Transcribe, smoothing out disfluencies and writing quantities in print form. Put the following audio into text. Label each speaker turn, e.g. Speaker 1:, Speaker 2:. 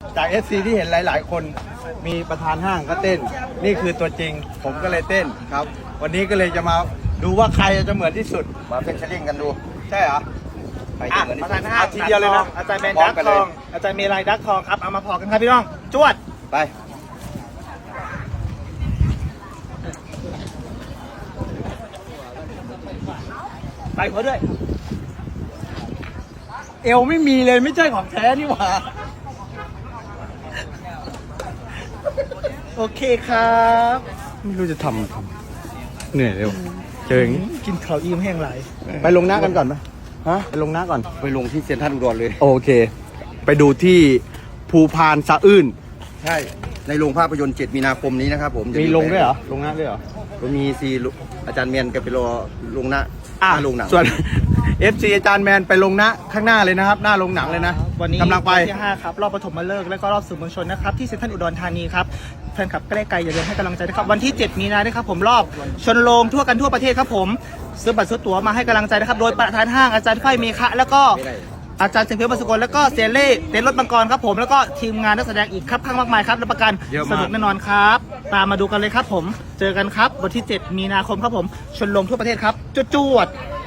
Speaker 1: จาก FC ที่เห็นหลายๆ คนมีประธานห้างก็เต้น นี่คือตัวจริงผมก็เลยเต้นครับ วันนี้ก็เลยจะมาดูว่าใครจะเหมือนที่สุด
Speaker 2: มาเป็นเชลลิงกันดู
Speaker 1: ใช่เหรอ
Speaker 2: ใครจะเหมือนที่
Speaker 3: ประ
Speaker 2: สุ
Speaker 3: ธา
Speaker 2: ด
Speaker 3: นห้าง
Speaker 1: ทีเดียวเลยนะ
Speaker 3: อาจารย์แมนดักทองอาจารย์เมลัยดักทองครับเอามาพอกันครับพี่น้องจวด
Speaker 2: ไป
Speaker 3: ไปเขาด้วย
Speaker 1: เอวไม่มีเลยไม่ใช่ของแท้นี่หว่า
Speaker 3: โอเคครับ
Speaker 1: ไม่รู้จะทำเหนื่อยเร็วเจออย่างนี้
Speaker 3: กินข้าวอิ่มแห้งไหล
Speaker 1: ไปลงหน้ากันก่อนไหมฮะไปลงหน้าก่อน
Speaker 2: ไปลงที่เซ็นทรัลอุดรเลย
Speaker 1: โอเค ไปดูที่ภูพานสะอื้น
Speaker 2: ใช่ในโรงภาพยนตร์7 มีนาคมนี้นะครับผมจะ
Speaker 1: มีลงด้วยเหรอลงหน้าด้วยเหรอ
Speaker 2: มีซีอาจารย์เมียนกับไปรอลงหน้าลงหนัง
Speaker 1: ส่วน FC อาจารย์แมนไปลงหน้าข้างหน้าเลยนะครับ หน้าลงหนังเลยนะ
Speaker 3: วันนี้
Speaker 1: กำลังไป
Speaker 3: ที่5ครับรอบปฐมฤกษ์และก็รอบสื่อมวลชนนะครับที่เซ็นทรัลอุดรธานีครับแฟนคลับใกล้ไกลอย่าลืมให้กำลังใจนะครับวันที่ 7 มีนาด้วยครับผมรอบชนโรงทั่วกันทั่วประเทศครับผมซื้อบัตรซื้อตั๋วมาให้กำลังใจนะครับโดยประธานห้างอาจารย์ไฟเมฆะแล้วก็อาจารย์เสียงเพชรบรรสุกลแล้วก็เซเล่เต้นรถบังกรครับผมแล้วก็ทีมงานนักแสดงอีกครับข้างมากมายครับรับประกัน
Speaker 1: เยอะมาก
Speaker 3: สนุกแน่นอนครับตามมาดูกันเลยครับผมเจอกันครับวันที่ 7 มีนาคมครับผมชนโรงทั่วประเทศครับจวดๆ